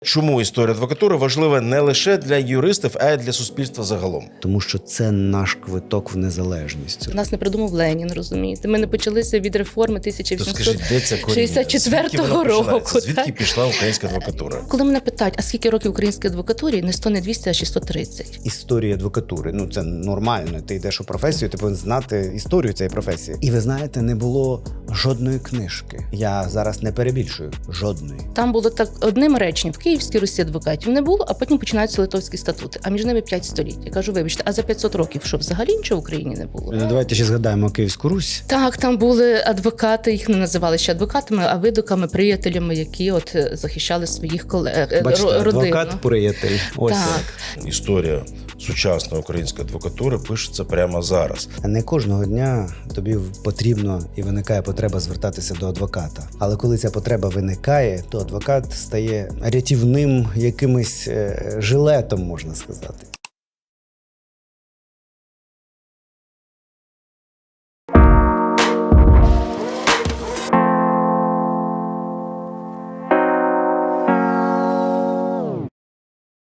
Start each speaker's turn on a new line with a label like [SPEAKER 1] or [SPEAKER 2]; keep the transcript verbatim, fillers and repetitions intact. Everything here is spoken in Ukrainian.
[SPEAKER 1] Чому історія адвокатури важлива не лише для юристів, а й для суспільства загалом?
[SPEAKER 2] Тому що це наш квиток в незалежність.
[SPEAKER 3] Нас не придумав Ленін, розумієте? Ми не почалися від реформи тисяча вісімсот шістдесят четвертого року.
[SPEAKER 1] Звідки
[SPEAKER 3] так?
[SPEAKER 1] пішла українська адвокатура?
[SPEAKER 3] Коли мене питають, а скільки років українській адвокатурі, не сто, не двісті, а шістсот тридцять.
[SPEAKER 2] Історія адвокатури, ну це нормально. Ти йдеш у професію, ти повинен знати історію цієї професії. І ви знаєте, не було жодної книжки. Я зараз не перебільшую. Жодної.
[SPEAKER 3] Там було так одним реченням: в Київській Русі адвокатів не було, а потім починаються литовські статути. А між ними п'ять століть. Я кажу, вибачте, а за п'ятсот років що, взагалі нічого в Україні не було?
[SPEAKER 2] Ну, давайте ще згадаємо Київську Русь.
[SPEAKER 3] Так, там були адвокати, їх не називали ще адвокатами, а видуками, приятелями, які от захищали своїх колег,
[SPEAKER 2] Бачите,
[SPEAKER 3] ро- родину.
[SPEAKER 2] адвокат-приятель. Ось.
[SPEAKER 3] Так.
[SPEAKER 1] Історія сучасної української адвокатури пишеться прямо зараз.
[SPEAKER 2] Не кожного дня тобі потрібно і виникає потреба звертатися до адвоката. Але коли ця потреба виникає, то адвокат стає рятівним якимось е, жилетом, можна сказати.